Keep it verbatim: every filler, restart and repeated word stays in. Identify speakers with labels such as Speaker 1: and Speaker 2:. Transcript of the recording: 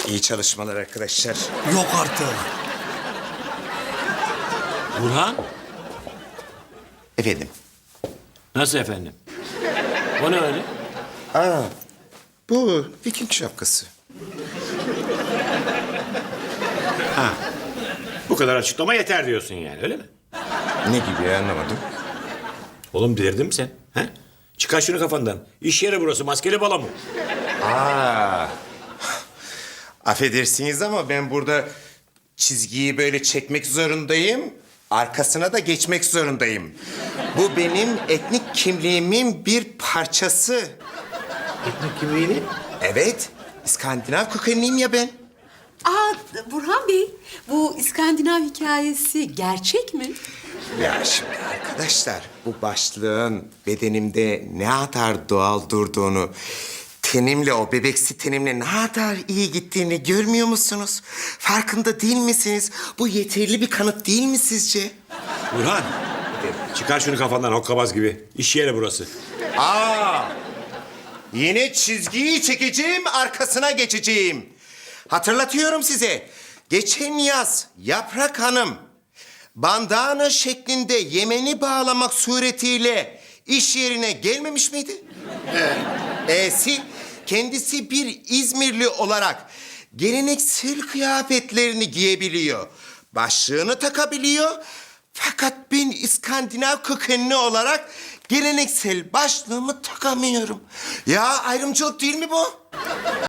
Speaker 1: İyi çalışmalar arkadaşlar.
Speaker 2: Yok artık.
Speaker 3: Burhan,
Speaker 1: Efendim?
Speaker 3: nasıl efendim? O ne öyle?
Speaker 1: Aa, bu Viking şapkası.
Speaker 3: Bu kadar açıklama yeter diyorsun yani, öyle mi?
Speaker 1: Ne gibi ya, anlamadım.
Speaker 3: Oğlum delirdin mi sen? He? Çıkar şunu kafandan. İş yeri burası, maskeli balo mu?
Speaker 1: Aa, affedersiniz ama ben burada çizgiyi böyle çekmek zorundayım. Arkasına da geçmek zorundayım. Bu benim etnik kimliğimin bir parçası.
Speaker 3: Etnik kimliğini?
Speaker 1: Evet, İskandinav kökenliyim ya ben.
Speaker 4: Aa, Burhan Bey, bu İskandinav hikayesi gerçek mi?
Speaker 1: Ya şimdi arkadaşlar, bu başlığın bedenimde ne kadar doğal durduğunu, tenimle, o bebeksi tenimle ne kadar iyi gittiğini görmüyor musunuz? Farkında değil misiniz? Bu yeterli bir kanıt değil mi sizce?
Speaker 3: Burhan, çıkar şunu kafandan hokkabaz gibi. İş yeri burası.
Speaker 1: Aa! Yine çizgiyi çekeceğim, arkasına geçeceğim. Hatırlatıyorum size. Geçen yaz Yaprak Hanım bandana şeklinde yemeni bağlamak suretiyle iş yerine gelmemiş miydi? Ee? E'si kendisi bir İzmirli olarak geleneksel kıyafetlerini giyebiliyor. Başlığını takabiliyor. Fakat ben İskandinav kökenli olarak geleneksel başlığımı takamıyorum. Ya ayrımcılık değil mi bu?